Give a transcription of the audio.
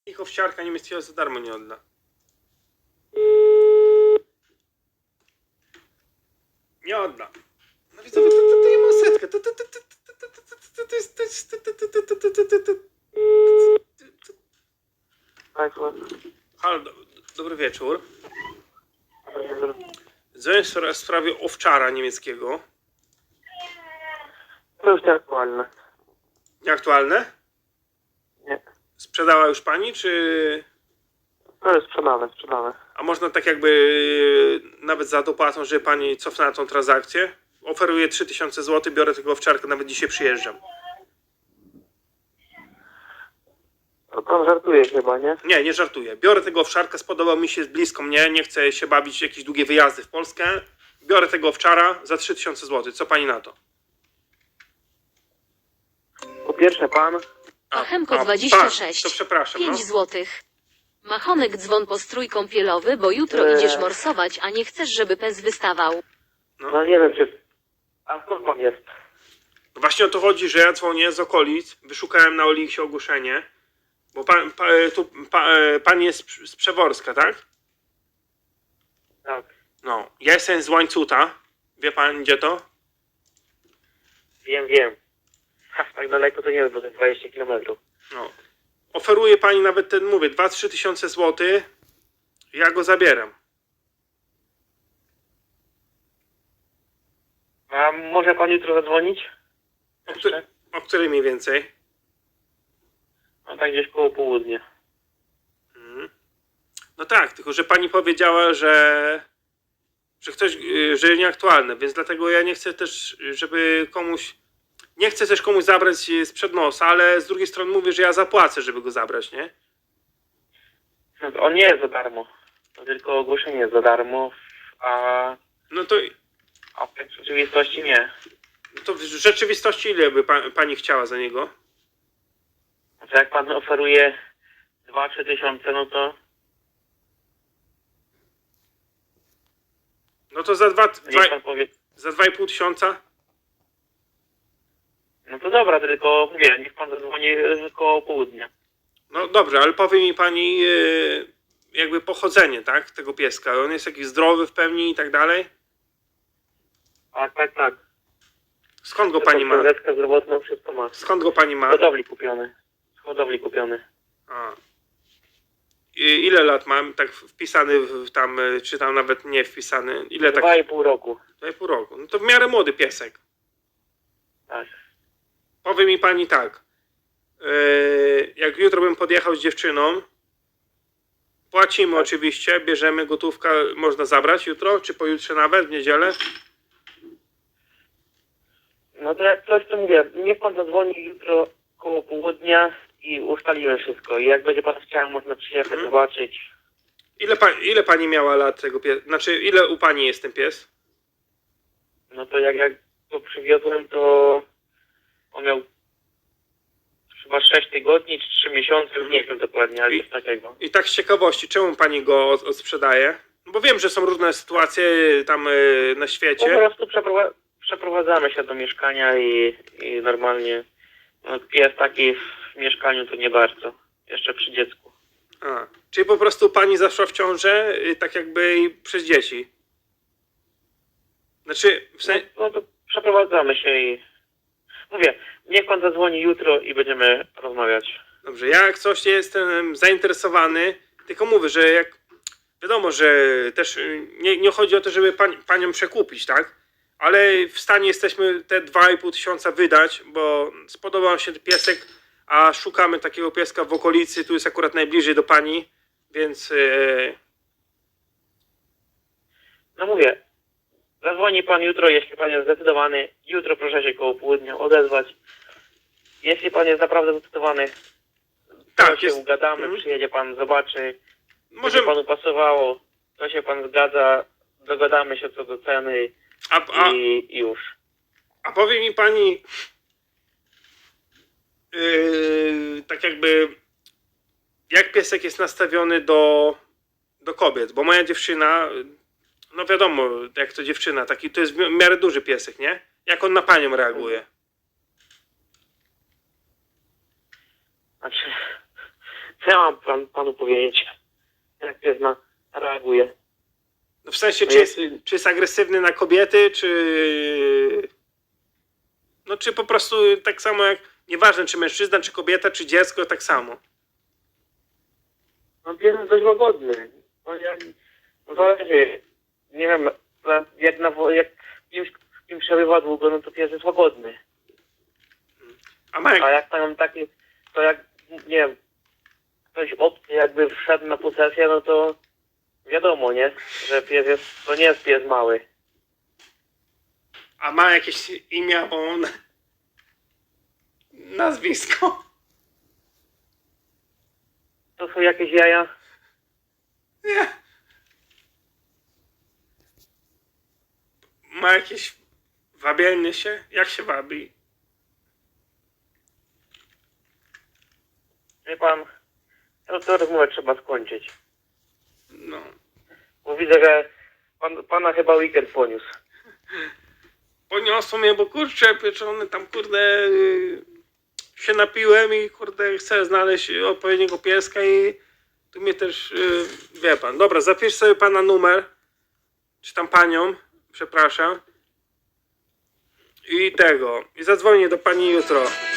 Ich owsiarka niemieckiego za darmo nie odda. Nie odda. No widzowie, to ja mam setkę. Halo, dobry wieczór. Dzwonię w sprawie owczara niemieckiego. To już nieaktualne. Nieaktualne? Nie. Sprzedała już pani, czy... To jest sprzedane. A można tak jakby nawet za dopłatą, żeby pani cofnęła tą transakcję? Oferuję 3000 zł, biorę tego owczarka, nawet dzisiaj przyjeżdżam. To pan żartuje chyba, nie? Nie, nie żartuję. Biorę tego owczarka, spodobał mi się, jest blisko mnie, nie chcę się bawić w jakieś długie wyjazdy w Polskę. Biorę tego owczara za 3000 zł. Co pani na to? Po pierwsze pan... Machemko 26. To przepraszam, 5 no. złotych. Machonek dzwon po strój kąpielowy, bo jutro idziesz morsować, a nie chcesz, żeby pes wystawał. No nie wiem czy... A skąd pan jest? Właśnie o to chodzi, że ja dzwonię z okolic, wyszukałem na Oliksie ogłoszenie, bo pan jest z Przeworska, tak? Tak. No, ja jestem z Łańcuta. Wie pan gdzie to? Wiem. Tak daleko to nie jest, bo to jest 20 km. No. Oferuje pani nawet ten, mówię, 2-3 tysiące złotych. Ja go zabieram. A może pan jutro zadzwonić? O której mniej więcej? No tak gdzieś koło południa. No tak, tylko że pani powiedziała, że że nieaktualne, więc dlatego ja nie chcę też, żeby komuś, nie chcę też komuś zabrać sprzed nosa, ale z drugiej strony mówię, że ja zapłacę, żeby go zabrać, nie? No to on nie jest za darmo. To tylko ogłoszenie jest za darmo, a No to w rzeczywistości nie. w rzeczywistości ile by pani chciała za niego? No to jak pan oferuje 2-3 tysiące, no to No to za niech pan powie. za 2,5 tysiąca? No to dobra, tylko mówię, niech pan zadzwoni koło południa. No dobrze, ale powie mi pani jakby pochodzenie, tak, tego pieska. On jest jakiś zdrowy w pełni i tak dalej? Tak. Skąd go pani ma? Zetkę zdrowotną, wszystko ma. Skąd go pani Z ma? hodowli kupiony. A. Ile lat mam? Tak wpisany tam, czy tam nawet nie wpisany? Ile tak? 2,5 roku. 2,5 roku. No to w miarę młody piesek. Tak. Powie mi pani tak. Jak jutro bym podjechał z dziewczyną, płacimy oczywiście, bierzemy gotówkę, można zabrać jutro, czy pojutrze nawet, w niedzielę? No to jak coś to mówię, niech pan zadzwoni jutro koło południa i ustalimy wszystko. I jak będzie pan chciał, można przyjechać, zobaczyć. Ile pani miała lat tego pieska? Znaczy, ile u pani jest ten pies? No to jak go przywiozłem, to on miał chyba 6 tygodni czy 3 miesiące, już nie wiem dokładnie, ale coś takiego. I tak z ciekawości, czemu pani go odsprzedaje? No bo wiem, że są różne sytuacje tam na Po świecie. prostu przeprowadzamy się do mieszkania i normalnie no, pies taki w mieszkaniu to nie bardzo. Jeszcze przy dziecku. A, czyli po prostu pani zaszła w ciążę, tak jakby przez dzieci. Znaczy, No to przeprowadzamy się i mówię, niech pan zadzwoni jutro i będziemy rozmawiać. dobrze, ja jak coś jestem zainteresowany, tylko mówię, że jak wiadomo, że też nie chodzi o to, żeby panią przekupić, tak? Ale w stanie jesteśmy te 2,5 tysiąca wydać, bo spodobał się piesek, a szukamy takiego pieska w okolicy, tu jest akurat najbliżej do pani, więc No mówię, zadzwoni pan jutro, jeśli pan jest zdecydowany. Jutro proszę się koło południa odezwać. Jeśli pan jest naprawdę zdecydowany, to tak, się jest. ugadamy, przyjedzie pan, zobaczy. Może Możemy, panu pasowało, to się pan zgadza, dogadamy się co do ceny i już. a powie mi pani, tak jakby, jak piesek jest nastawiony do kobiet, bo moja dziewczyna, no wiadomo, jak to dziewczyna, taki to jest w miarę duży piesek, nie? Jak on na panią reaguje? Znaczy, Co ja mam panu powiedzieć? Jak pies reaguje? No w sensie, No czy jest agresywny na kobiety, czy... No czy po prostu tak samo jak... Nieważne, czy mężczyzna, czy kobieta, czy dziecko, tak samo. No pies jest dość łagodny. No zależy. Nie wiem, jak kimś przebywa długo, no to pies jest łagodny. A ma jak... A jak tam taki, to jak, nie wiem, ktoś obcy jakby wszedł na posesję, no to wiadomo, nie? Że pies jest, to nie jest pies mały. A ma jakieś imię, albo nazwisko? To są jakieś jaja. Nie. Ma jakieś... Wabielny się? Jak się wabi? Wie pan, no to rozmowę trzeba skończyć. No. Bo widzę, że pana chyba weekend poniósł. Poniosło mnie, bo kurczę, pieczony tam, kurde, się napiłem i kurde, chcę znaleźć odpowiedniego pieska i tu mnie też, wie pan. Dobra, zapisz sobie pana numer, czy tam panią, przepraszam. I tego, i zadzwonię do pani jutro.